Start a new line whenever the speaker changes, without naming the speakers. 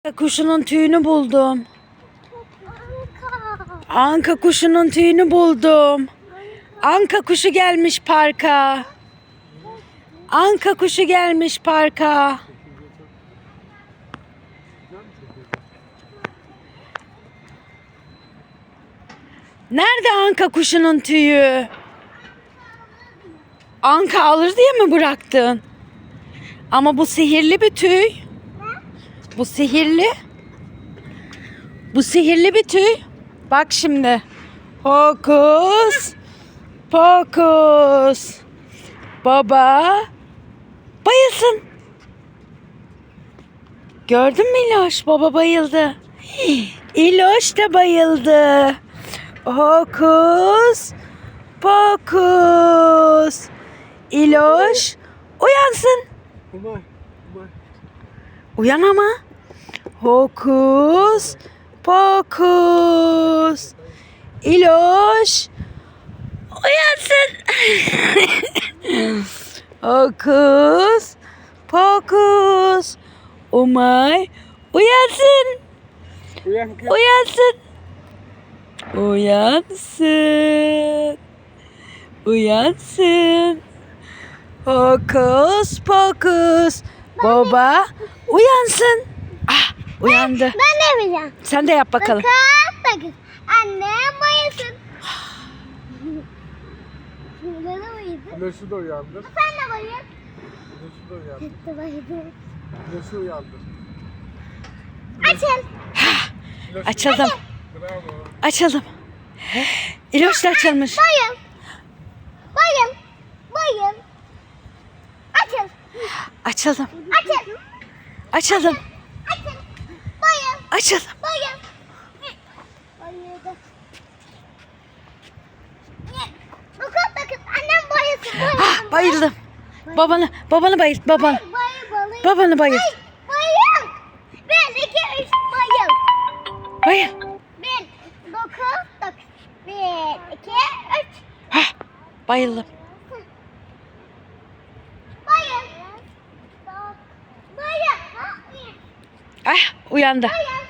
Kuşunun tüyünü buldum. Anka kuşunun tüyünü buldum. Anka kuşu gelmiş parka. Anka kuşu gelmiş parka. Nerede anka kuşunun tüyü? Anka alır diye mi bıraktın? Ama bu sihirli bir tüy. Bu sihirli. Bu sihirli bir tüy. Bak şimdi. Hokus pokus. Baba bayılsın. Gördün mü İloş? Baba bayıldı. İloş da bayıldı. Hokus pokus. İloş uyansın. Uyan ama. Hokus pokus. İloş uyansın. Hokus pokus. Umay uyansın. Uyansın. Uyansın. Uyansın. Hokus pokus. Baba uyansın. Ah, uyandı.
Ben de yapacağım.
Sen de yap bakalım.
Bakın. Annem bayılsın. Ben de bayıldım.
Güneşi de uyandır.
Sen de bayıl.
Güneşi de uyandır.
Sen de bayıldım.
Güneşi uyandır.
Açın.
Güneşi
Açalım.
Bravo.
Açalım. İloş da açılmış.
Bayıl. Bayıl. Bayıl. Açın.
Açalım.
Açın.
Açalım.
Açın. Bayıl.
Açalım.
Bayıl. Bayıldı. Bakın. Annem bayılsın.
Ah, bayıldım. Babanı bayılt. Babanı.
Bayıl.
Babanı bayılt.
Bayıl. 1, 2, 3 bayıl.
Bayıl.
1, 9. 1, 2, 3.
Ah, bayıldım.
Bayıl. Bayıl.
Ah, uyandı.
Bayıl.